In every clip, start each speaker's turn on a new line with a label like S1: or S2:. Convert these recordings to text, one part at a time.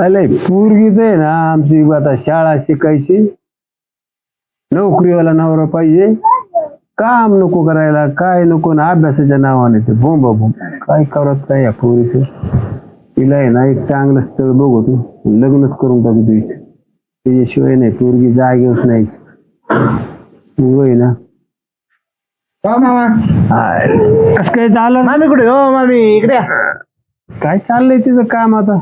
S1: अरे पोरगीच आहे ना आमची आता शाळा शिकायची, नोकरीवाला नवरा पाहिजे, काम नको करायला, काय नको ना, अभ्यासाच्या नावाने ते बोंब बोंब काय करत काय या पोरीच. तिला आहे ना एक चांगलं स्थळ बघतो, लग्नच करून टाकू तुझी. त्याच्याशिवाय नाही पोरगी जागेच नाही. तू आहे ना
S2: कस काय चाललं मामी? कुठे हो मामी? इकडे
S1: काय चाललंय तिचं काम आता?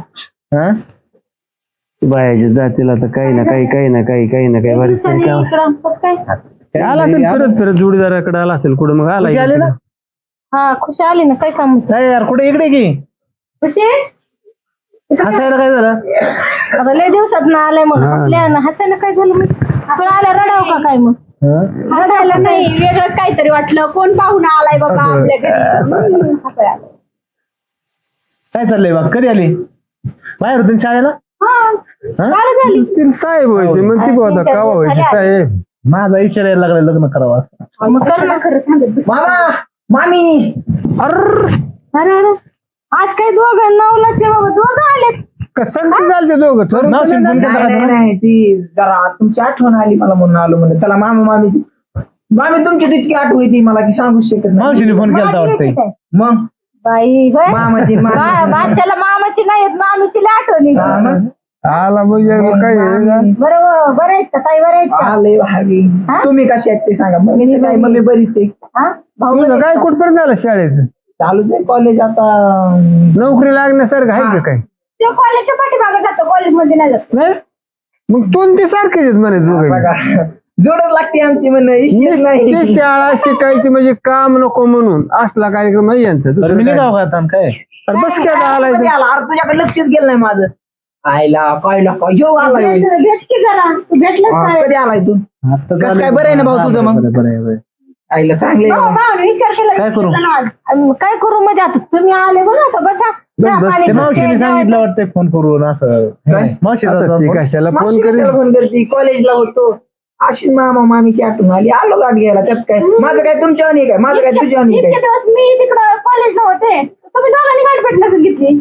S1: बायाच्या जातीला तर काही ना काही बरीच काम आला असेल, फिरत फिरत जोडीदाराकडे आला असेल कुठं, मग आला
S2: ना.
S3: हा खुशी आली ना, काय काम
S2: यार कुठे? इकडे की
S3: खुशी
S2: हसायला काय झालं?
S3: आता लय दिवसात ना आलाय, मग हसायला काय झालं? मग आपण आला रडाव का काय? मग रडायला नाही, वेगळंच काहीतरी वाटलं, कोण पाहुणा आलाय बाबा आपल्या घरी.
S2: काय चाललंय बा? कधी आली? बाहेर होती शाळेला?
S1: साहेब व्हायचे मग ती आता कावा व्हायची साहेब.
S2: माझा विचार यायला लागला लग्न करावं असं.
S3: मग कर ना, खरं सांगत.
S2: मामा मामी
S3: अरे अरे आज काय दोघं नवला ते बाबा, दोघं आलेत.
S1: कसं झालं ते दोघं ठरवून
S4: नाही ती जरा तुमची आठवण आली मला म्हणून आलो म्हणलं. त्याला मामी तुमची तितकी आठवण येते मला की सांगूच शकत नाही.
S2: मावशीने फोन केला वाटतंय.
S4: मग
S3: बाई
S4: मामाची
S3: बाच्याला मामाची नाही येत, मामीची लय आठवण येते.
S1: आला म्हणजे काय
S3: बरोबर, बरं आहेत का? काही बरं आहेत का?
S4: आले भावी. तुम्ही कशी आहेत ते सांगा. काय मम्मी बरीच आहे.
S3: भाऊ
S1: काय कुठपर्यंत झालं शाळेत?
S4: चालूच आहे कॉलेज आता.
S1: नोकरी लागण्यासारखं आहे का काय?
S3: ते कॉलेजच्या पाठीमागे जातो, कॉलेजमध्ये नाही जात.
S1: नाही मग दोन ते सारखेच म्हणे दोघं.
S4: जोडच लागते आमची म्हणणं नाही.
S1: शाळा शिकायची म्हणजे काम नको म्हणून असला कार्यक्रम नाही यांचा.
S2: मी नाही गाव खाता काय?
S1: बस काय आलाय
S4: तुझ्याकडे लक्षच गेलं नाही माझं. आयला काय यो आलाय.
S3: भेट की जरा, तू भेटलंच नाही.
S4: कधी आलाय तू? काय बरं आहे ना भाऊ तुझं? मग आईला चांगले
S3: विचार केला.
S2: काय करू?
S3: काय करू म्हणजे आता तुम्ही आले बघा, आता बसा.
S2: ते मावशीने सांगितलं वाटतंय फोन करून असं. मावशी
S1: कशाला फोन
S4: फोन करते. कॉलेजला होतो अशी मामा मामीची आठवण आली, आलो गाठ घ्यायला. त्यात काय माझं काय तुमच्यावर नाही काय, माझं काय तुझ्यावर नाही काय.
S3: इतके दिवस मी तिकडं कॉलेजला होते, तुम्ही दोघांनी गाठ भेट नसेल घेतली.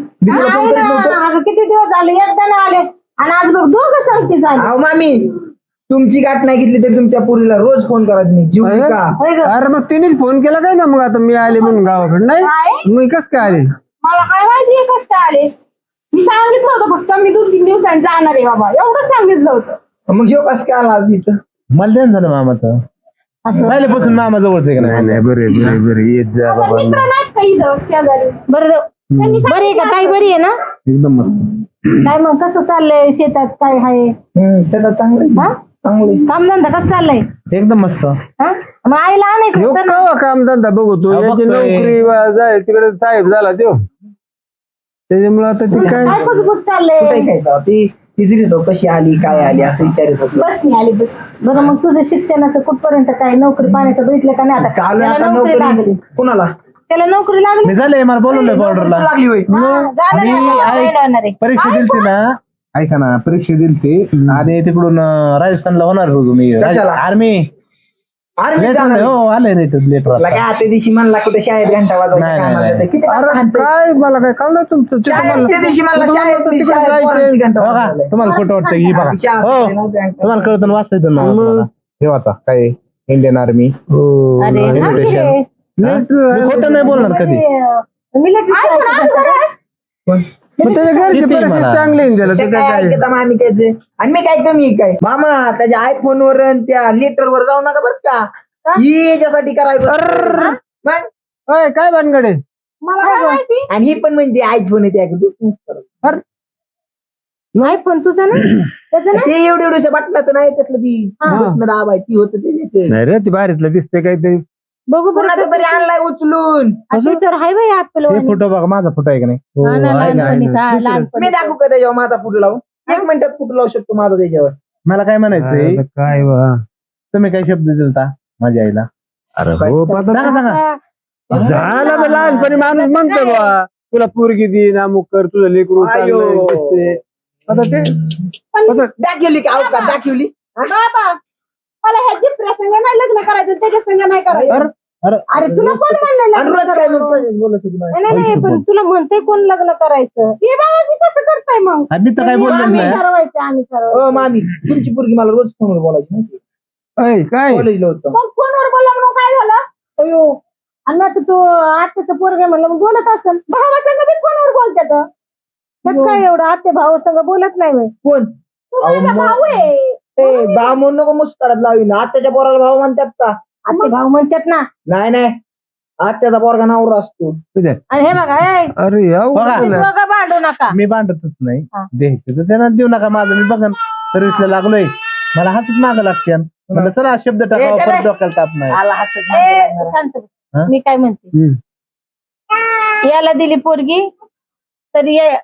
S3: किती दिवस झाले, एकदा ना आले आणि आज बघ दोघं सांगते झाले.
S4: अहो मामी तुमची गाठ नाही घेतली तर तुमच्या पुरीला रोज फोन करायचं नाही. जीव का?
S1: अरे मग तिनेच फोन केला काय ना, मग आता मी आले म्हणून गावाकडे. नाही मी कस काय आले?
S3: मला काय माहिती कस काय आले. मी सांगितलं होतं फक्त मी 2-3 दिवसांनी जाणार आहे बाबा, एवढं सांगितलं होतं.
S4: मग ह्यो कस काय आला तिथं?
S2: मला ध्यान झालं मामाचं. पहिल्यापासून मामा जवळच आहे का नाही?
S1: बरे येत जा बाबा.
S3: मित्र नाहीत का इथं शेजारी? बरं आहे का? ताई बरी आहे ना?
S1: एकदम
S3: काय मग कसं चाललंय शेतात? काय आहे
S4: शेतात चांगले
S3: कामधंदा कसं चाललंय?
S2: एकदम मस्त.
S3: मग आईला आणायचं होतं ना.
S1: काम धंदा बघतो, याची नोकरी जाय तिकडे साहेब झाला तो, त्याच्यामुळे आता ती
S3: काय कुजबुज चाललंय?
S4: ती कशी आली काय आली असं विचारत होतो.
S3: बस नाही आली बस. बरं मग तुझं शिक्षणाचं कुठपर्यंत काय, नोकरी पाण्याचं भेटलं का नाही? आता त्याला नोकरी लागली.
S4: कुणाला?
S3: त्याला नोकरी लागली.
S2: मी झालंय, मला बोलवलंय बॉर्डरला.
S4: लागली होय.
S2: परीक्षा दिलती ना, ऐका ना, परीक्षा दिलती आणि तिकडून राजस्थानला होणार होतो मी. आर्मी हो आलंय लेटर.
S4: काय त्या दिवशी म्हणला कुठे शाळेत घंटा वाजवायचा.
S1: काय मला काय कळलं तुमचं?
S2: तुम्हाला खोटं वाटतं की बघा, हो तुम्हाला कळतं वाचता येतं ना. हे आता काय इंडियन आर्मी इन्व्हिटेशन. खोटं नाही बोलणार कधी.
S1: चांगले
S4: आणि मी काय कमी काय मामा त्याच्या आयफोन वर त्या लेटर वर जाऊ नका बरं का. याच्यासाठी करायचं
S1: काय भानगडे?
S4: आणि ही पण म्हणजे आयफोन आहे
S3: आयफोन तुझा ना
S4: ते एवढे बटनाचं नाही त्यातलं ती दाबायची होत ते
S1: नाही रे, ती बाहेरला दिसते काहीतरी.
S3: बघू
S4: कोणाचं तरी आणलाय उचलून.
S2: फोटो बघा, माझा फोटो आहे का नाही?
S4: मी दाखवू का त्याच्यावर माझा फोटो लावून? 1 मिनिटात फोटो लावू शकतो माझा त्याच्यावर.
S2: मला काय म्हणायचंय,
S1: काय
S2: तुम्ही काय शब्द दिलता माझ्या आईला?
S1: अरे हो झाला तर लहानपणी माणूस म्हणतो बा तुला पोरगी दे अमुक कर, तुझं लेकरू चांगलं. आता ते
S4: दाखवली का अवकाश दाखवली?
S3: मला ह्याची प्रसंग नाही लग्न करायचं, त्याच्या संग नाही करायचं. अरे तुला कोण म्हणलं
S4: आणि
S3: लग्न
S4: रोज काय मग
S3: करायचं?
S4: बोलत होती मला.
S3: नाही पण तुला म्हणते कोण लग्न करायचं हे बाबा मी कसं करताय मग
S2: मी तर काय बोललो
S3: आम्ही
S2: नाही
S3: ठरवायचं आम्ही ठरवायचं
S4: हो मामी तुमची पोरगी मला रोज फोनवर बोलायची माहिती
S1: अय काय
S4: कॉलेजला होतं.
S3: मग फोनवर बोलला म्हणून काय झालं अयो आणि मग तू आत्याचं पोरग म्हणलं मग बोलत असेल भावा संग बी फोनवर बोलतात त्यात काय एवढं आत्या भाऊ संग बोलत नाही होय.
S4: कोण
S3: तू माझा भाऊ आहे
S4: ए भाव म्हणून नको मुस्कारात लावी ना आत्याच्या पोराला भाव म्हणतात का
S3: आत्या भाऊ म्हणतात ना
S4: नाही आत्याचा पोरगा नावर असतो
S1: तुझ्या
S3: आणि हे बघा
S1: अरे याव
S2: बघा.
S3: तुम्ही दोघं भांडू नका
S2: मी भांडतच नाही
S3: हा.
S2: द्यायचं तर त्यांना देऊ नका माझं मी बघन सर्व्हिसला लागलोय मला हसत मागं लागते म्हणलं चला शब्द टाकावा
S4: चला.
S2: परत डोक्याला ताप नाही
S4: आला हसत
S3: ए,
S4: मागे
S3: शांत बस.
S2: हा?
S3: मी काय म्हणते याला दिली पोरगी तर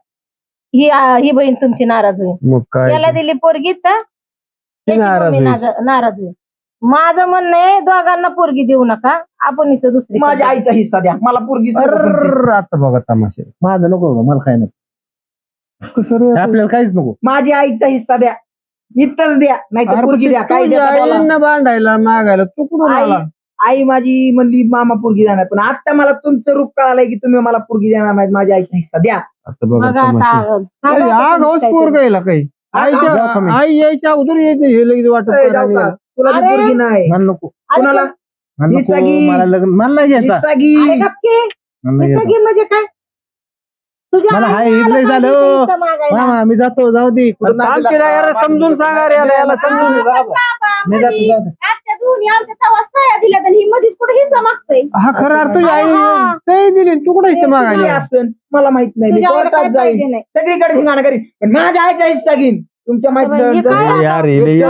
S3: ही बहीण तुमची नाराज होईल
S1: मग काय
S3: याला दिली पोरगी तर त्याची
S1: नाराज
S3: मम्मी
S1: होईल.
S3: नाराज होईल माझं म्हणणं आहे दोघांना पोरगी देऊ नका आपण इथं दुसरी
S4: माझ्या आईचा हिस्सा द्या मला पोरगी
S1: अर्र, आता बघा तमाशे
S2: माझं नको बाबा, मला काय नको
S1: कसं रे?
S2: आपल्याला काहीच नको
S4: माझ्या आईचा हिस्सा द्या इथंच द्या नाही तर
S1: अरे
S4: पोरगी द्या काय
S1: तुझ्या
S4: द्या बोला.
S1: आईंना भांडायला मागायला तू कुठून
S4: आई
S1: आला
S4: आई माझी म्हणली मामा पोरगी देणार पण आता मला तुमचं रूप कळालंय की तुम्ही मला पोरगी देणार नाही माझ्या आईचा हिस्सा द्या
S1: आता बघा
S3: बघा
S1: तमाशे
S3: आता
S1: आग हौस पोर गायला काही
S2: जाऊ का मी?
S1: आई यायच्या अगोदर यायचं हे लगेच वाटत
S4: ए, जाऊ का? तुला ती
S3: अरे.
S4: पोरगी नाही
S2: मला नको
S4: कुणाला
S2: मला नको
S4: हिस्सा घे.
S2: मला लग्न मला नाही घ्यायचा
S4: हिस्सा घे.
S3: अरे गप्पे
S2: मला नाही घ्यायचा.
S3: सगळी म्हणजे काय तुझ्या
S2: मला हाय
S3: आईला
S2: इथलंय
S3: आलं
S2: झालं
S3: पाहिजे इथं मागायला.
S2: मामा मी जातो जाऊ दे कुठं नादी
S1: आमची
S2: लागला.
S1: याला समजून सांगा रे याला समजून
S2: मी जातो, जाऊ दे.
S3: आत्या दोन्ही आमच्या तेव्हा सह्या दिल्या तर ही मध्येच कुठे हिस्सा मागतोय
S1: हा खरं अर्थ तुझी आई
S3: हा.
S1: सही दिली तू कुठे इथे
S4: कुठली
S1: मागायला
S4: असन मला माहित नाही मी
S3: तुझ्या आईला
S4: कोर्टात
S3: काय
S4: जाईन
S3: पाहिजे नाही.
S4: सगळीकडे ठिकाणा करीन पण माझ्या आईचा हिस्सा घेईन तुमच्या
S3: हे काय
S4: माहिती
S3: आता?
S1: यार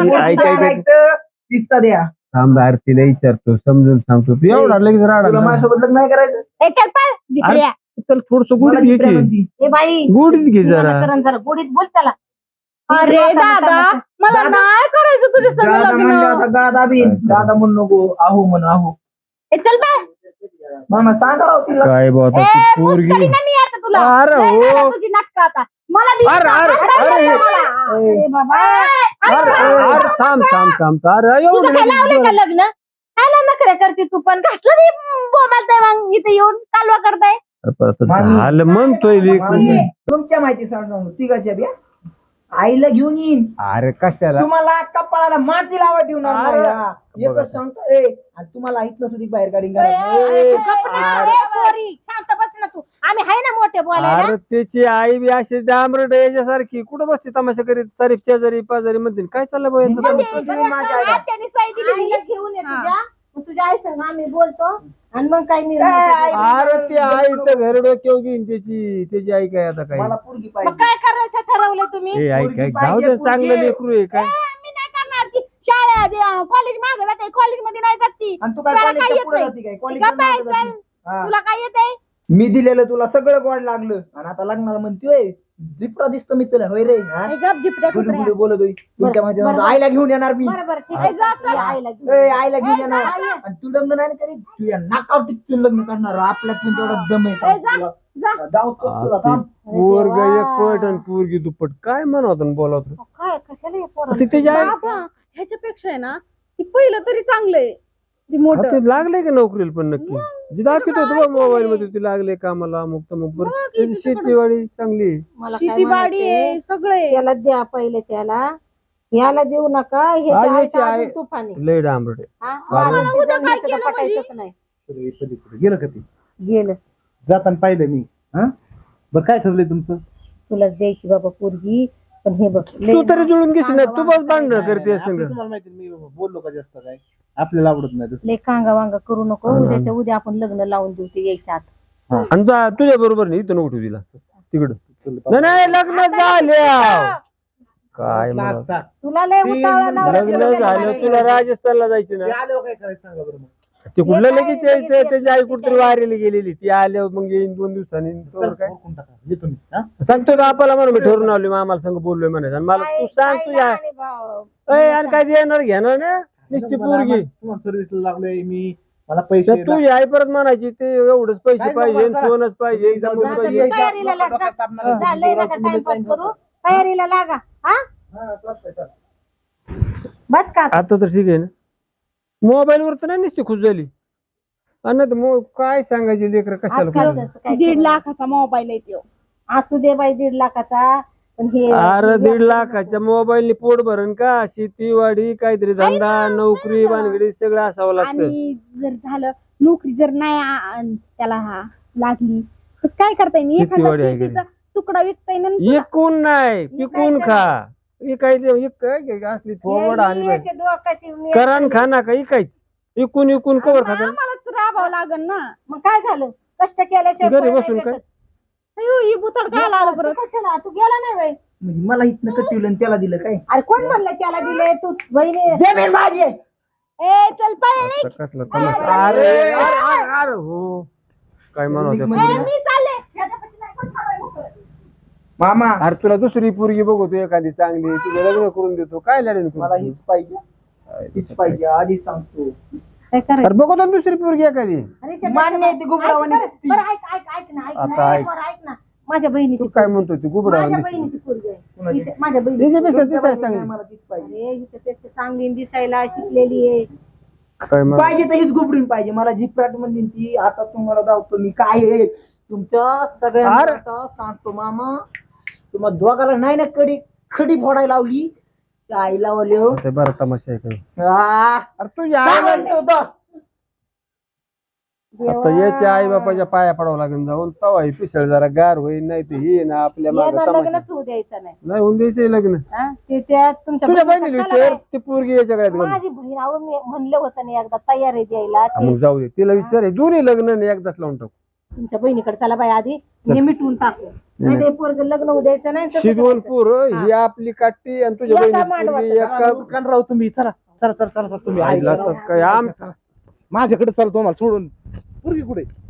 S4: हिस्सा द्या
S1: थांब आरतीला विचारतो समजून सांगतो तू एवढा लगेच
S4: तुला
S1: राडा
S4: माझ्यासोबत लग्न नाही करायचं
S3: ए, चल पळ, जिकड्या.
S1: चल थोडस
S4: मला
S1: गुढीत घे
S4: दुसऱ्या
S1: की.
S4: म्हणती.
S3: ए बाई
S1: गुढीत घे जरा
S3: जरा गोडीत बोल त्याला
S4: अरे दादा,
S3: मला
S4: दादा.
S3: नाही करायचं तुझ्या संग
S4: दादा म्हणलं
S3: लग्न
S4: आता गादा बिन दादा म्हणून नको आहो म्हण आहो
S3: ए, चल बाय
S4: मामा सांगा राव तिला
S1: काय बाबा
S3: ए,
S1: तू
S3: मुस्करी
S1: पोरगी
S3: ना मी आता तुला
S1: अरे
S3: लय
S1: हो.
S3: झालं तुझी नाटकं आता मला बी
S1: अरे, अरे,
S3: अरे,
S1: अरे.
S3: अरे बाबा
S1: अरे थांब अरे
S3: तुझं काय लावलंय का
S1: एवढं
S3: लग्न काय नखरे करते तू पण कसलं ती बोमालताय मग इथे येऊन कालवा करताय
S1: झालं म्हणतोय लेकरू.
S4: तुमच्या माहिती सांगतो तिघाच्या बिया आईला घेऊन येईन
S1: अरे कशाला
S4: तुम्हाला कपाळाला माती लावा ठेवून
S1: अरे.
S4: एकच सांगतो ए आणि तुम्हाला इथलं सुद्धा बाहेर गाडी
S3: शांत बस ना तू आम्ही आहे ना मोठे बोलायला
S1: अरे त्याची आई बी अशी डांबरट याच्यासारखी कुठं बसते तमाशा करीत तारीफ शेजारी पाजारी म्हणते काय चाललं बाई यांचं?
S3: आत्याने साई दिली आईला घेऊन ये तुझ्या आई संग आम्ही बोलतो आणि मग काय मी
S1: अरे ते आई तर घर डोक्यावर घेईन त्याची आई काय आता काय
S4: मला पोरगी
S3: मग
S4: पाहिजे
S3: काय करायचं ठरवलं तुम्ही
S1: ए आई
S4: पोरगी
S1: काय
S4: पाहिजे,
S1: जाऊ दे चांगलं
S4: पोरगी.
S1: लेकरू आहे काय
S3: मी नाही करणार ती शाळा कॉलेज मागे जाते कॉलेज मध्ये नाही जात ती
S4: आणि तू काय
S3: तुला काय
S4: कॉलेजच्या
S3: येत
S4: पुढे
S3: नाही?
S4: जाते काय
S3: गप्प आहे,
S4: कॉलेज
S3: चल. तुला काय येत आहे
S4: मी दिलेलं तुला सगळं गोड लागलं आणि आता लग्नाला म्हणतोय जिपरा दिसतो मी तुला होय रे हा?
S3: गप जिपड्या
S4: गुडू
S3: कुत्र्या.
S4: गुडू बोलत होई तुमच्या मध्ये
S3: बरं.
S4: आईला घेऊन येणार मी
S3: बरं ठीक आहे जा चल. आईला घेऊन
S4: ए, आईला घेऊन
S3: ए,
S4: येणार
S3: जा, ये.
S4: आणि तू लग्न नाही करीत तू या नाकावर टिकून लग्न करणार आपल्यात पण तेवढा दम आहे
S3: ए, जा,
S4: तुला.
S3: जा.
S4: जाऊ तो तुला थांब.
S1: पोरग एक पट आणि पोरगी दुप्पट काय म्हणत बोलत
S3: काय कशाला हे पोरं?
S1: ते त्याची आई
S5: बाबा ह्याच्यापेक्षा आहे ना ती पहिलं तरी चांगलंय ती
S1: हा,
S5: मोठं
S1: ते लागले का नोकरीला पण नक्की जी दाखवत होतो मोबाईल मध्ये ते लागले कामाला अमुक तमुक बरं त्याची शेतीवाडी चांगली आहे.
S3: मला काय
S5: शेतीवाडी
S3: म्हणायचंय,
S5: आहे सगळे
S3: याला द्या पहिले त्याला याला देऊ नका हे
S1: हा,
S3: जे
S1: याची
S3: आहे
S1: आई-
S3: अजून तुफान आहे.
S1: लय डांबरट आहे.
S3: हा?
S1: मला
S3: मला उद्या काय
S5: केलं
S3: केलं पटायचंच नाही
S2: गेलं का ते
S3: गेलं
S2: जाताना पाहिलं मी हा बरं काय ठरलंय तुमचं
S3: तुला द्यायची बाबा पोरगी पण हे बघ
S1: तू तरी जुळून घेशील ना तू बस भांडण करते संग
S2: तुम्हाला माहिती मी बोललो का जास्त काय आपल्याला आवडत नाही तसं.
S3: लय कांगा वांगा करू नको उद्याच्या उद्या आपण लग्न लावून देऊ ते यायच्या आत
S1: आणि तुझ्या बरोबर नाही इथं नको तिला तिकडं नाही लग्न झाल्या काय मला
S2: लागतात.
S3: तुला लय उतावळा नवरा
S1: लग्न
S3: केलं
S1: झालं
S3: पाहिजे.
S1: तुला राजस्थानला जायचं ना
S2: ते आल्यावर काय करायचं सांगा बरं मग.
S1: ते कुठलं लगेच यायचं त्याची आई कुठतरी वारीला गेलेली ती आल्यावर मग येईन 2 दिवसांनी तोवर काय
S2: ओळखून टाका. येतो मी हा?
S1: सांगतो का आपल्याला म्हणून मी ठरवून आलो मामाला संग बोललोय म्हणायचं आणि मला तू सांग
S3: आई
S1: तुझ्या
S3: लहान आहे भाऊ.
S1: अय आणि काय देणार घेणार ना नुसती पोरगी
S2: तुम्हाला सर्व्हिसला लागलोय मी मला पैसे
S1: तर तुझी आई परत म्हणायची ते एवढंच पैसे
S2: काय
S1: पाहिजे
S2: जमा करा.
S1: सोनच पाहिजे
S2: जा,
S1: जमून
S3: जा,
S1: पाहिजे
S3: जा. तयारीला लाग, जा. जा, लय नका टाइमपास करू तयारीला लागा हा बस का
S1: आता तर ठीक आहे ना मोबाईल वर तर नाही नुसती खुश झाली आणि मग काय सांगायचे लेकर कशाला
S3: आजकाल
S1: पाहिजे?
S3: तसं काय
S5: 1.5 लाखाचा मोबाईल आहे तो.
S3: असू दे बाई 1.5 लाखाचा पण हे
S1: अरे 1.5 लाखाच्या मोबाईलने पोट भरण का? शेतीवाडी काहीतरी धंदा नोकरी बांधगडी सगळं असावं लागतं.
S5: आणि जर झालं नोकरी जर नाही त्याला लागली तर काय करता येईल?
S1: शेतीवाडी
S5: एखादा
S1: आहे घरी.
S5: शेतीचा तुकडा विकता येईल.
S1: इकून नाही पिकून खा. इकायचं असली थोबड आणि
S3: हे डोकाची
S1: करण खाना का इकायच इकून इकून कवर खाता.
S5: आम्हालाच राबावं लागेल ना.
S3: मग काय झालं कष्ट केल्याशिवाय
S1: घरी
S3: फळ नाही
S1: बसून काय?
S3: भेटत.
S5: अयो, ही बुताड काय आलं बरं?
S3: तू कशाला? तू गेला नाही बाई.
S4: म्हणजे मला इथनं कटिवलं आणि त्याला दिलं काय
S3: अरे कोण म्हणलं त्याला दिले तू बहिणी
S4: जमीन माझी आहे.
S3: ए चल पळ
S1: कसला तमाशा. अरे हो काय म्हणत होते?
S3: मी चालले ह्याच्यापाशी नाही कोण थांबायला मोकळं.
S4: मामा
S1: अरे तुला दुसरी पोरगी बघतो एखादी चांगली तुझं लग्न करून देतो काय लढेल
S4: मला हीच पाहिजे हीच पाहिजे आधीच सांगतो.
S3: काय करायचं?
S1: अरे बघतो ना दुसरी पोरगी एखादी.
S3: अरे त्या
S4: मान्य आहे ती गुबडावानी
S3: ऐक
S4: दिसती.
S3: ना, बरं ऐक ना
S1: आता ऐक.
S3: बरं ऐक ना माझ्या बहिणीची
S1: तू काय म्हणतो ती गुबडा
S3: माझ्या बहिणीची पोरगी आहे.
S4: कोणाची?
S3: इथे- माझ्या बहिणी
S1: त्याच्यापेक्षा
S4: तुमच्या
S1: दिसायला
S4: बाईला
S1: चांगली
S4: मला तीच पाहिजे.
S3: अरे हिचं त्याचं चांगली दिसायला शिकलेली आहे.
S1: काय म्हणत?
S4: पाहिजे तर हीच गुबडीन पाहिजे मला जी फ्रॅट म्हणली ती. आता तुम्हाला दावतो मी काय आहे तुमच्या सगळ्यांना
S1: अरे.
S4: आता सांगतो मामा. तुम्हाला दोघाला नाही ना खडी फोडायला लावली त्या आईला वले हो.
S1: ते बरं तमाशा आहे काय?
S4: आ,
S1: अरे तू या
S4: काय म्हणते होतं?
S1: आता याच्या आई बापाच्या पाया पडावं लागेल जाऊन तवा ही पिसळ जरा गार होईल नाही तर ही ना आपल्या मागे
S3: यांना
S1: तमाशा
S3: लग्नच होऊ द्यायचं नाही
S1: नाही होऊन द्यायचं लग्न.
S3: हा? ते त्या तुमच्या
S1: तुझ्या
S3: बहिणीचं
S1: बहिणीला
S3: कळलं
S1: विचार
S3: नाही.
S1: ती पोरगी याच्या गळ्यात घालून.
S3: माझी बहीण अहो मी म्हणलं होतं ना एकदा तयार आहे द्यायला
S1: हा,
S3: ती
S1: मग जाऊ दे तिला विचार आहे दोन्ही लग्न नाही एकदाच लावून टाकू.
S3: तुमच्या बहिणीकडे चला बाई आधी हे मिटवून टाकू नाही ते पोरग लग्न होऊ द्यायचं नाही तसं
S1: शिजवून
S3: करायचं.
S1: पोर ही आपली काठी आणि तुझ्या
S3: एका
S1: बहिणी
S3: मांडवात
S1: पोरगी एका
S2: दुकान राहू तुम्ही. चला चला चला चला तुम्ही
S1: आईला तर काय आम
S2: माझ्याकडे चला तुम्हाला सोडून. पोरगी कुठे?